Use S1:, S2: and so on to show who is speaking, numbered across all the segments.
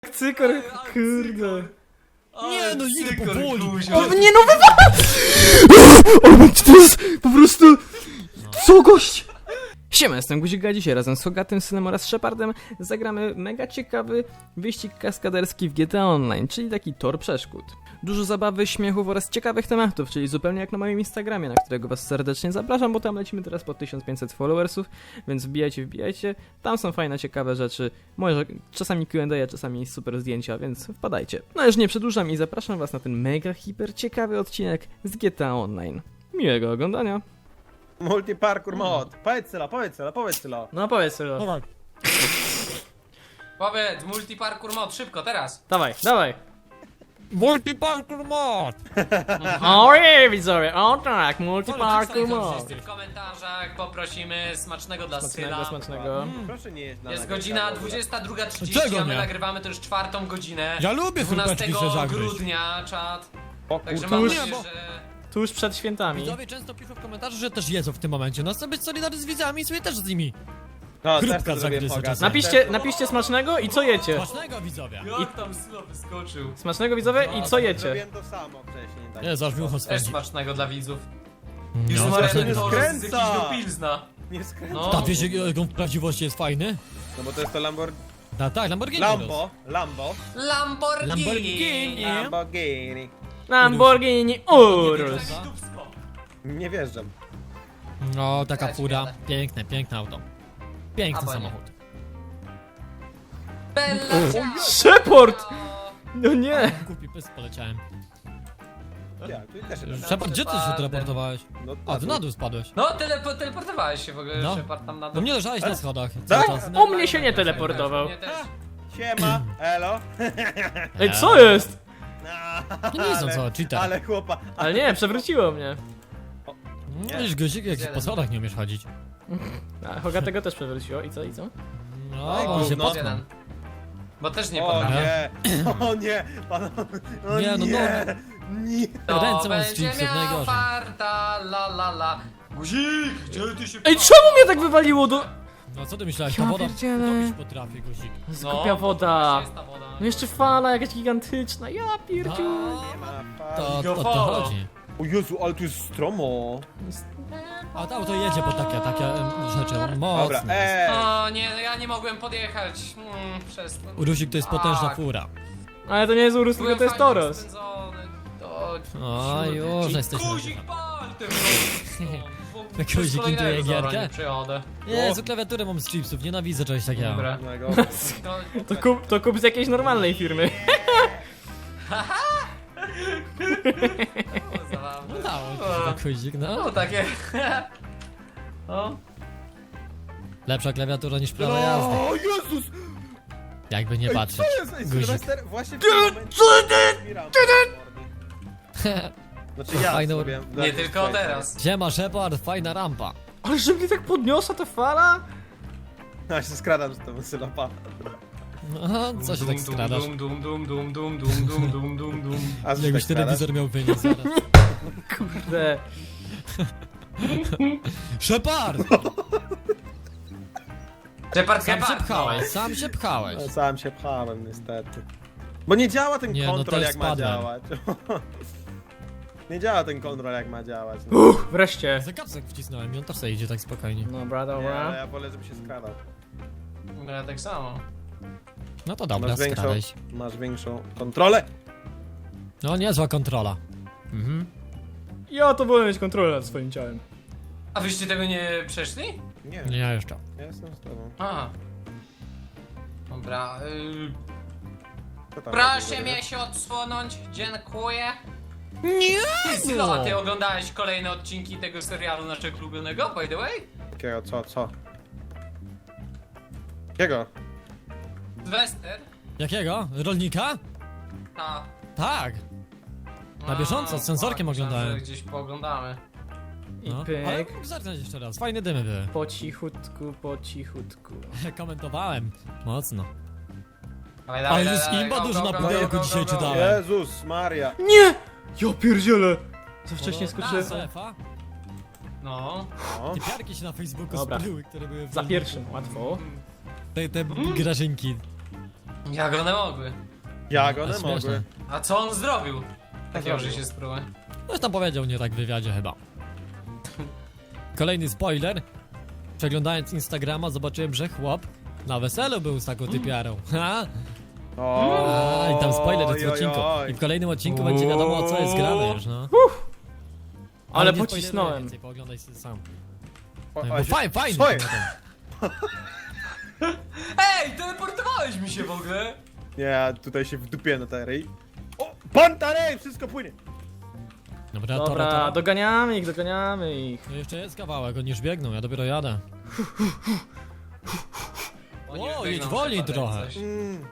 S1: Cykor, kurde.
S2: Nie no, idę powoli.
S1: O nie no O, to jest po prostu... Co gość? Siema, jestem Guzik, a dzisiaj razem z Hogatym, Synem oraz Shepardem zagramy mega ciekawy wyścig kaskaderski w GTA Online, czyli taki tor przeszkód. Dużo zabawy, śmiechów oraz ciekawych tematów, czyli zupełnie jak na moim Instagramie, na którego was serdecznie zapraszam, bo tam lecimy teraz po 1500 followersów, więc wbijajcie, tam są fajne, ciekawe rzeczy, może czasami Q&A, czasami super zdjęcia, więc wpadajcie. No już nie przedłużam i zapraszam was na ten mega hiper ciekawy odcinek z GTA Online. Miłego oglądania.
S3: Multiparkour mod. Powiedz Sylo.
S1: No powiedz sobie.
S2: Dawaj.
S4: Powiedz, multiparkour mod, szybko, teraz!
S1: Dawaj.
S2: Multiparkour mod!
S1: O nie, widzowie, o tak, multiparkour mod.
S4: Wszyscy w komentarzach poprosimy smacznego dla Syla.
S1: Smacznego.
S3: Proszę nie jeść na
S4: Jest
S3: nagrywka,
S4: godzina
S3: dobra.
S4: 22:30,
S2: Czego
S4: a my
S2: nie?
S4: nagrywamy to już 4. godzinę.
S2: Ja lubię
S4: 12
S2: chrupeczki się zagryźć.
S4: grudnia, czat.
S3: O
S4: Także
S3: kurczę.
S4: mam
S1: Tuż-
S4: nadzieję,
S2: bo-
S4: że...
S1: Tuż przed świętami.
S2: Widzowie często piszą w komentarzu, że też jedzą w tym momencie. No chcę być solidarny z widzami i sobie też z nimi.
S3: No,
S2: Chrupka
S3: też to zrobię
S2: zagryzę
S3: poga.
S2: czasem.
S1: Napiszcie smacznego i co jecie.
S2: Smacznego, widzowie.
S4: Jak tam Sylo wyskoczył.
S1: Smacznego, widzowie, i co jecie.
S3: Zrobiłem to samo wcześniej. Tak.
S2: Nie, zaraz mi ucho
S4: Też
S2: spędzi.
S4: smacznego dla widzów.
S2: No,
S4: Już
S3: smacznego.
S4: smacznego
S3: Nie
S4: to z
S3: skręca.
S4: jakiegoś do Pilzna.
S3: Nie skręcę.
S4: No.
S2: Ta, wiesz jak on w prawdziwości jest fajny?
S3: No bo to jest to
S2: Tak, Lamborghini.
S3: Lambo.
S4: Lamborghini!
S3: Lamborghini.
S1: Lamborghini Urus.
S4: Dupsko.
S3: Nie wjeżdżam.
S2: No, taka
S4: Ja ci
S2: fura.
S4: jadę.
S2: Piękne auto. Piękny
S4: Albo nie.
S2: samochód.
S4: Bella ciao!
S1: Shepard! No nie.
S2: Głupi pys poleciałem.
S3: Ja, tu też
S2: Shepard, gdzie ty się teleportowałeś?
S3: No,
S2: A, ty na dół spadłeś.
S4: No, teleportowałeś się w ogóle,
S2: No.
S4: Shepard tam na
S2: No
S4: dół.
S2: mnie leżałeś na schodach.
S3: Tak?
S2: Cały czas.
S1: O mnie się nie teleportował.
S4: Mnie też.
S3: Siema, elo.
S1: Ej, co jest?
S2: No nie są co, cheater.
S3: Ale chłopa.
S1: Ale nie, przewróciło mnie.
S2: No wiesz, Guzik, jak
S4: Jeden.
S2: po schodach nie umiesz chodzić.
S1: A Hogatego też przewróciło. I co?
S2: No,
S3: Ej,
S2: on się
S3: gówno.
S2: potknął.
S4: Jeden. Bo też nie
S3: O
S4: potrafię.
S3: nie. O nie. Panowie. O
S2: Nie, no,
S3: nie. Nie.
S2: Ręce mam z
S4: będzie
S2: chipsów,
S4: miał
S2: najgorzej.
S4: farta, la la la. Guzik, gdzie ty się...
S1: Ej, czemu mnie tak wywaliło do...
S2: No co ty myślałeś,
S1: Ja
S2: ta woda?
S1: pierdzielę.
S2: Topić potrafi, Guzik.
S1: Skupia woda.
S4: Jest ta woda.
S1: No jeszcze fala jakaś gigantyczna. Ja pierdziu.
S3: Nie ma
S2: To
S3: fali.
S2: o to chodzi.
S3: O Jezu, ale tu jest stromo.
S2: A to auto jedzie po takie rzeczy
S3: Dobra,
S2: mocne.
S4: O nie, no ja nie mogłem podjechać. Przez to.
S2: Urusik to jest potężna
S4: Tak.
S2: fura.
S1: Ale to nie jest Urus, tylko
S4: Byłem
S1: to jest
S4: fajnie
S1: Toros.
S4: rozpędzony. To...
S2: O, już jesteśmy.
S4: Guzik, pal tym
S2: Jak Guzik intuje gierkę?
S4: Nie przyjadę.
S2: Jezu, klawiaturę mam z chipsów, nienawidzę czegoś takiego.
S4: Dobra.
S1: To kup z jakiejś normalnej firmy.
S4: Zabawne.
S2: No dało ci się tak, Guzik, no.
S4: No takie. O.
S2: Lepsza klawiatura niż prawa jazdy.
S3: O Jezus!
S2: Jakby nie patrzeć.
S3: Co jest? Ej,
S2: Guzik.
S3: Sylwester właśnie w tym momencie zbieram mordy. Znaczy ja
S2: Fajne-
S3: sobie.
S4: Nie tylko teraz.
S2: Siema, Shepard, fajna rampa.
S1: Ale że mnie tak podniosła ta fala?
S3: Ja się skradam z tą Sylopa.
S2: No, co się tak skradasz?
S3: A co
S2: Jakbyś
S3: tak skradasz?
S2: telewizor miał wynieść zaraz.
S1: Kurde.
S2: Shepard!
S4: Shepard,
S2: Sam się
S4: Shepard.
S2: pchałeś, sam się pchałeś.
S3: No, sam się pchałem niestety. Bo nie działa ten
S2: Nie, no
S3: kontrol
S2: też
S3: jak ma
S2: spadłem.
S3: działać. Nie działa ten kontrol jak ma działać. No.
S1: Wreszcie.
S2: Za kapsek wcisnąłem i on też sobie idzie tak spokojnie.
S1: Dobra,
S3: Nie, ale
S1: dobra.
S3: ja wolę, żeby się skradał.
S4: No ja tak samo.
S2: No to dobra, skradaj.
S3: Masz większą kontrolę.
S2: No niezła kontrola. Mhm.
S1: Ja to wolę mieć kontrolę nad swoim ciałem.
S4: A wyście tego nie przeszli?
S3: Nie,
S2: Nie, ja jeszcze.
S3: ja jestem z tobą.
S4: A. Dobra.
S3: Co tam
S4: Proszę
S3: robisz,
S4: mnie się odsunąć, dziękuję.
S2: Nie!
S4: Sylo, a ty oglądałeś kolejne odcinki tego serialu naszego ulubionego, by the way?
S3: Jakiego, co? Jakiego?
S4: Sylwester?
S2: Jakiego? Rolnika?
S4: Ta.
S2: Tak. Na bieżąco, z sensorkiem
S4: myślałem,
S2: oglądałem.
S4: że gdzieś pooglądamy.
S1: I
S2: No. Ale
S1: pyk.
S2: mógł zerknąć jeszcze raz, fajne dymy były.
S1: Po cichutku, po cichutku.
S2: Komentowałem. Mocno.
S4: Dawaj,
S2: Ale
S4: dawaj,
S2: jest
S4: dawaj,
S2: imba
S4: go,
S2: dużo
S4: go,
S2: na
S4: go,
S2: pudełku
S4: go, go,
S2: dzisiaj
S4: go, go.
S2: czytałem.
S3: Jezus Maria.
S1: Nie! Ja pierdzielę! Za wcześnie skoczyłem.
S2: Sefa.
S4: No.
S3: No.
S2: Te piarki się na Facebooku
S1: Dobra.
S2: spaliły, które były w
S1: Za
S2: rolniku.
S1: pierwszym, łatwo.
S2: Te grażynki.
S4: Jak one mogły?
S3: Jak
S2: Ale
S3: one
S2: śmieszne.
S3: mogły?
S4: A co on zrobił? Takiego, że
S3: zrobił?
S4: się spróbuję.
S2: Coś tam powiedział nie tak w wywiadzie chyba. Kolejny spoiler. Przeglądając Instagrama zobaczyłem, że chłop na weselu był z taką typiarą. Ha? A, i tam spoiler jest w odcinku. I w kolejnym odcinku będzie wiadomo o co jest grane już, no.
S1: Ale
S2: nie
S1: pocisnąłem.
S2: spoileruję więcej, pooglądaj sobie sam.
S3: O,
S2: No,
S3: a
S2: bo
S3: się-
S2: fajnie.
S3: Co
S2: ten
S3: jest?
S2: ten.
S4: Ej, teleportowałeś mi się w ogóle!
S3: Nie, ja tutaj się wdupię na tej. O! Pantarej! Wszystko płynie!
S2: Dobra,
S1: Dobra, doganiamy ich.
S2: No jeszcze jest kawałek, oni już biegną, ja dopiero jadę.
S4: Oni
S2: O,
S4: już
S2: jedź
S4: biegną
S2: wolniej
S4: przed
S2: trochę.
S4: coś.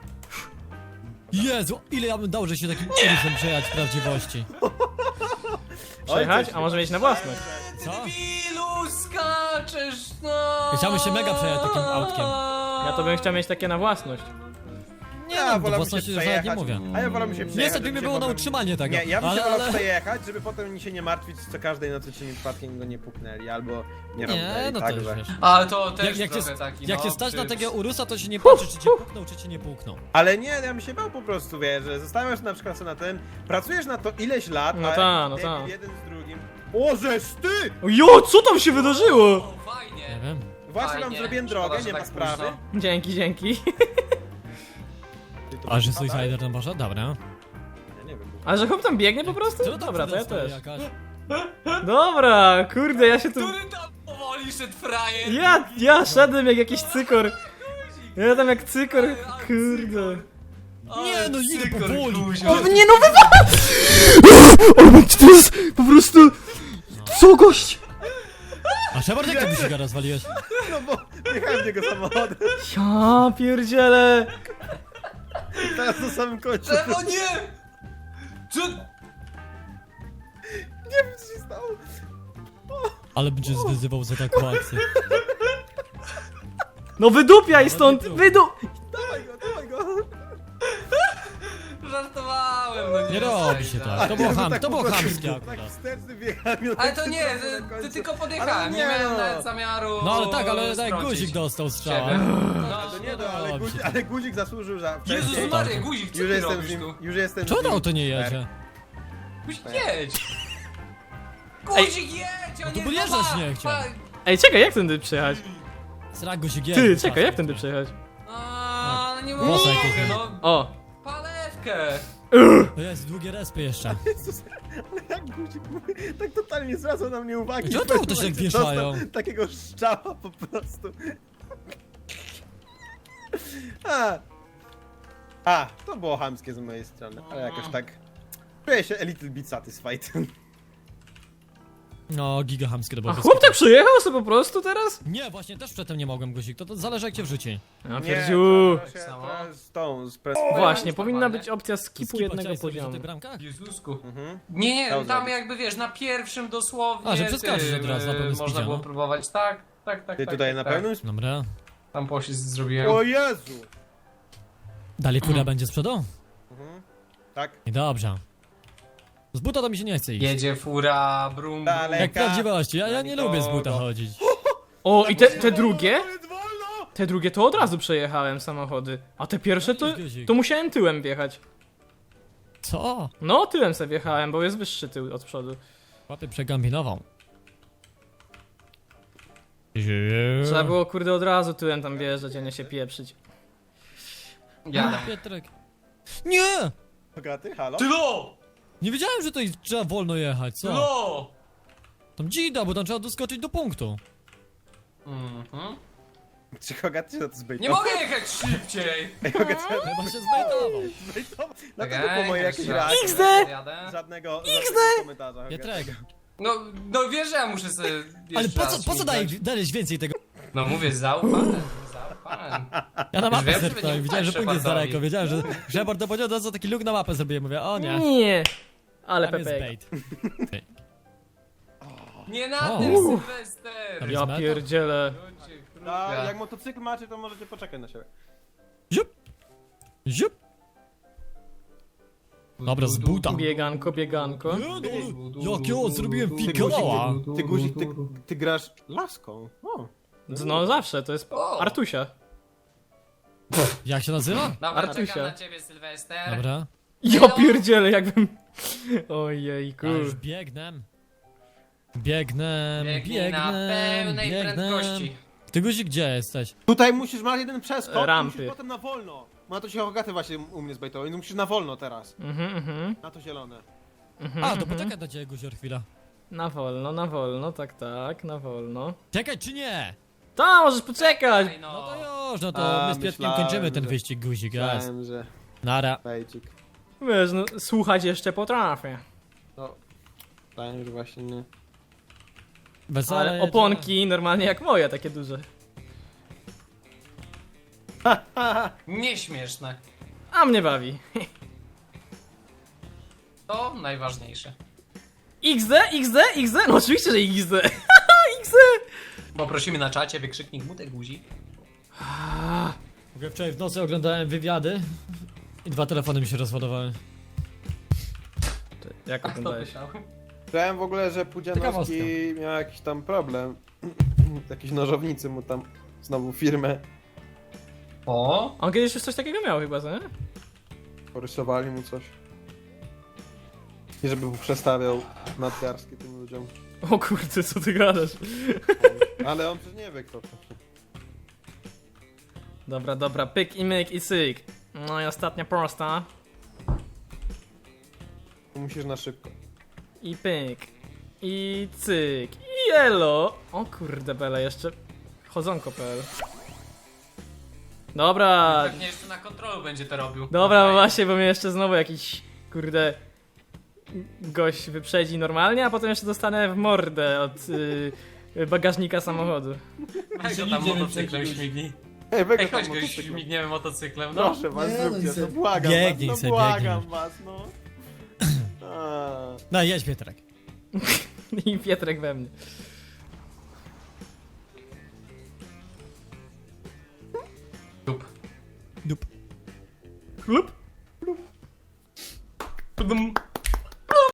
S2: Jezu, ile ja bym dał, że się takim urusem przejechać w prawdziwości.
S1: Przejechać?
S3: coś
S1: A może mieć na własność?
S2: Co?
S4: Debilu, skaczesz, no!
S2: Chciałbym się mega przejechać takim autkiem.
S1: Ja to bym chciał mieć takie na własność.
S2: Nie
S3: Ja
S2: no, do
S3: wolałbym
S2: własności
S3: się
S2: już nawet nie
S3: przejechać.
S2: mówię.
S3: A ja wolę się przejechać.
S2: Niestety
S3: żeby
S2: mi
S3: się
S2: było na
S3: potem-
S2: utrzymanie tego.
S3: Nie, ja bym się
S2: ale,
S3: wolał
S2: ale...
S3: przejechać, żeby potem się nie martwić co każdej nocy, czy przypadkiem go nie puknęli, albo nie robili.
S2: Nie, no to już wiesz.
S4: Ale to też
S2: Jak
S4: trochę
S2: cię,
S4: taki,
S2: jak
S4: no,
S2: cię stać na
S4: czy-
S2: tego urusa, to się nie patrzy, czy cię puknął, czy cię nie puknął.
S3: Ale nie, ja bym się bał po prostu, wiesz, że zastanawiasz się na przykład sobie na tym, pracujesz na to ileś lat,
S1: No
S3: a
S1: ta, no
S3: debil
S1: ta.
S3: jeden z drugim. O, żeż ty!
S1: Jo, co tam się wydarzyło?
S4: O,
S2: Nie
S4: fajnie.
S2: wiem.
S3: Właśnie wam
S4: Fajnie.
S3: zrobiłem
S4: Szkoda,
S3: drogę,
S4: że
S3: nie ma
S4: tak
S3: sprawy.
S4: późno.
S1: Dzięki.
S3: Ty to
S2: A że
S3: masz padać?
S2: Suicider tam poszedł? Dobra.
S3: Ja nie wiem.
S1: A że chłop tam biegnie po prostu?
S2: Co tam
S1: Dobra, to ja
S2: stoi
S1: też.
S2: jakaś?
S1: Dobra, kurde, ja się tu...
S4: Który tam powoli szedł frajer?
S1: Ja szedłem jak jakiś cykor. Ja tam jak cykor, kurde.
S2: Nie, no idę
S4: cykor,
S2: powoli.
S4: Guzio.
S1: O, nie no, wywala! O, to jest po prostu... Co, gość?
S2: A Shepard, jak ty mi się rozwaliłeś?
S3: No bo jechałem w niego samochodem,
S1: Ja pierdzielę.
S3: teraz na samym końcu.
S4: O nie! Co?
S3: Nie wiem co się stało.
S2: Ale będzie wyzywał za taką akcję.
S1: No wydupiaj stąd,
S3: Dawaj go.
S4: Żartowałem, no nie.
S2: Nie robi się tak. To było,
S3: Tak
S2: to było
S3: po prostu,
S2: chamskie
S3: Tak
S2: akurat.
S3: wsteczny wjechałem. i
S4: Ale
S3: tak
S4: to
S3: się
S4: nie,
S3: trafił na
S4: ty
S3: końcu.
S4: tylko podjechałem,
S3: Ale
S4: nie
S3: nie,
S4: miałem
S3: no.
S4: nawet zamiaru.
S2: No ale tak, ale tak
S4: strącić
S2: guzik dostał strzała.
S4: ciebie.
S3: To nie, no, ale,
S2: robi się tak.
S3: ale guzik zasłużył za...
S4: Jezus
S3: wcześniej.
S4: Maria, guzik, co
S3: Już
S4: ty
S3: jestem
S4: robisz
S3: z nim,
S4: tu?
S3: już jestem z
S2: Czemu
S3: nim.
S2: to auto nie jedzie?
S4: Guzik, jedź! Guzik, jedź, a
S2: to
S4: nie
S2: podjeżdżać
S4: dwa.
S2: nie chciał.
S1: Ej, czekaj, jak tędy przejechać?
S2: Srak guzik jedzie.
S1: Ty, czekaj, jak tędy przejechać?
S4: A, no nie
S2: Włosy
S4: mogę,
S2: jakieś.
S4: no.
S1: O.
S4: Palewkę.
S2: To jest długie respy jeszcze.
S3: Jezus, ale jak guzik mówi, tak totalnie nie zwracał na mnie uwagi.
S2: Czemu
S3: W
S2: to
S3: pewnym
S2: auto się tak
S3: momencie
S2: wieszają?
S3: dostał takiego szczała po prostu. To było chamskie z mojej strony, ale jakoś tak... Czuję się a little bit satisfied.
S2: No, giga chamskie to było.
S1: A
S2: bez
S1: chłop
S2: kitu.
S1: tak przyjechał sobie po prostu teraz?
S2: Nie, właśnie też przedtem nie mogłem guzik. To zależy jak cię wrzuci.
S1: Ja
S3: Nie,
S1: pierdziu.
S3: to się
S4: Samo.
S3: to z tą, z pres...
S1: Właśnie,
S4: Oj,
S1: powinna
S4: normalnie.
S1: być opcja skipu
S2: Skipa
S1: jednego
S2: chciałeś zrobić na
S1: poziomu.
S2: tych bramkach?
S4: Jezusku.
S3: Mhm.
S4: Nie,
S3: Dał
S4: tam
S3: zrobić.
S4: jakby wiesz, na pierwszym dosłownie.
S2: A, że przeskoczysz od razu na pełnym
S4: Można
S2: speedzie,
S4: było
S2: no.
S4: próbować, tak.
S3: Ty tutaj na pełnym...
S2: Dobra.
S4: Tam poślizg zrobiłem.
S3: O Jezu!
S2: Dalej fura będzie z przodu?
S3: Mhm. Tak.
S2: I dobrze. Z buta to mi się nie chce iść.
S4: Jedzie fura, brum, brum.
S3: Dalej.
S2: Jak prawdziwości, ja nie lubię z buta
S3: nikogo.
S2: chodzić.
S1: O, i te drugie?
S3: Ale wolno!
S1: Te drugie to od razu przejechałem samochody. A te pierwsze to musiałem tyłem wjechać.
S2: Co?
S1: No, tyłem sobie wjechałem, bo jest wyższy tył od przodu.
S2: Łapy przegambinował.
S1: Trzeba było, kurde, od razu tyłem tam wjeżdżać, a nie się pieprzyć.
S4: Jadę.
S2: Pietrek. Nie!
S3: Bogaty, halo?
S4: Tylo!
S2: Nie wiedziałem, że to trzeba wolno jechać, co?
S4: Tylo!
S2: Tam dzida, bo tam trzeba doskoczyć do punktu.
S4: Mhm.
S3: Czy Hogaty się na to
S4: Nie
S3: zbejtował?
S4: mogę jechać szybciej!
S3: Ej, Hogaty
S2: Chyba się zbejtował.
S3: zbejtował.
S4: Tak,
S3: Dlatego po mojej jakiejś
S4: jeszcze
S3: reakcji.
S4: raz.
S1: XD!
S4: Jadę.
S3: Żadnego komentarza. Hogaty.
S2: Pietrek.
S4: No wiesz, że ja muszę sobie
S2: Ale
S4: jeszcze raz
S2: po co
S4: śmigać.
S2: dajesz więcej tego?
S4: No mówię, zaufany. Zaufany.
S2: Ja na mapę
S4: wiem, żeby
S2: zerknąłem,
S4: nie
S2: widziałem, że
S4: ufać
S2: punkt jest
S4: Shepardowi.
S2: daleko, wiedziałem, że Shepard to powiedział, to co taki luk na mapę zrobiłem, mówię, o nie.
S1: Nie. Ale
S2: Tam jest
S1: Pepe.
S2: bait.
S4: Nie na
S2: O.
S4: tym, Sylwester!
S1: Ja pierdzielę.
S4: Ludzie,
S3: A
S4: kruga.
S3: jak motocykl macie, to możecie poczekać na siebie.
S2: Ziup! Ziup! Dobra, z buta.
S1: Bieganko, bieganko.
S2: Jakiego zrobiłem
S3: Ty
S2: fikoła?
S3: Ty guzik, ty grasz laską. O.
S1: No zawsze, to jest
S4: O.
S1: Artusia.
S2: Jak się nazywa?
S4: Dobra,
S1: Artusia.
S4: czekam na ciebie, Sylwester.
S2: Dobra.
S1: Ja pierdzielę, jakbym... Ojejku.
S2: Ja już biegnę. Biegnę,
S4: Biegnij na pełnej prędkości.
S2: Ty Guzik, gdzie jesteś?
S3: Tutaj musisz mać jeden przeskok,
S1: Rampy.
S3: musisz potem na wolno. Ma to się Hogaty właśnie u mnie zbejtował, więc musisz na wolno teraz. Na to zielone.
S2: A, to poczekaj do ciebie, Guzior, chwila.
S1: Na wolno, tak, na wolno.
S2: Czekaj czy nie?
S1: To, możesz poczekać!
S4: Ej,
S2: No
S4: no.
S2: to już, no to my z Piotkiem
S3: myślałem,
S2: kończymy ten
S3: że-
S2: wyścig, Guzik, jas.
S3: Myślałem, że
S2: Nara.
S3: fejcik.
S1: Wiesz, no, słuchać jeszcze potrafię.
S3: No, myślałem, że właśnie nie.
S2: Wesele
S1: Ale oponki normalnie jak moje, takie duże.
S4: Nieśmieszne.
S1: A mnie bawi.
S4: To najważniejsze.
S1: XD? No oczywiście, że XD. XD!
S4: Poprosimy na czacie wykrzyknik Mutek Guzik.
S2: Mogę wczoraj w nocy oglądałem wywiady i 2 telefony mi się rozładowały.
S1: Jak
S4: Kto
S1: oglądałeś?
S4: pytał?
S3: Słyszałem w ogóle, że Pudzianowski
S2: Ciekawostka.
S3: miał jakiś tam problem. Jakiś nożownicy mu tam znowu firmę
S4: O,
S1: On kiedyś już coś takiego miał chyba, co nie?
S3: porysowali mu coś. I żeby mu przestawiał nadgarskie tym ludziom.
S1: O kurde, co ty gadasz?
S3: Ale on przecież nie wie kto to.
S1: Dobra, pyk i myk i syk. No i ostatnia prosta.
S3: Musisz na szybko.
S1: I pyk. I cyk. I elo. O kurde bele, jeszcze chodzonko.pl. Dobra.
S4: pewnie jeszcze na kontrolu będzie to robił.
S1: Dobra,
S4: Okej.
S1: właśnie, bo mnie jeszcze znowu jakiś kurde gość wyprzedzi normalnie, a potem jeszcze dostanę w mordę od bagażnika samochodu.
S4: Weź go tam motocyklem śmignij.
S3: Ej, weź
S4: Ej,
S3: go tam
S4: chodź go
S3: motocykl.
S4: śmigniemy motocyklem, no.
S3: Proszę was,
S2: Nie, no
S3: zróbcie
S2: i
S3: to,
S2: se-
S3: błagam
S2: Biegnij
S3: was,
S2: se,
S3: no błagam
S2: biegnij.
S3: was, no. A.
S2: No jedź Piotrek.
S1: I Pietrek we mnie.
S4: Dup.
S2: Dup.
S1: Chlup.
S4: Dum.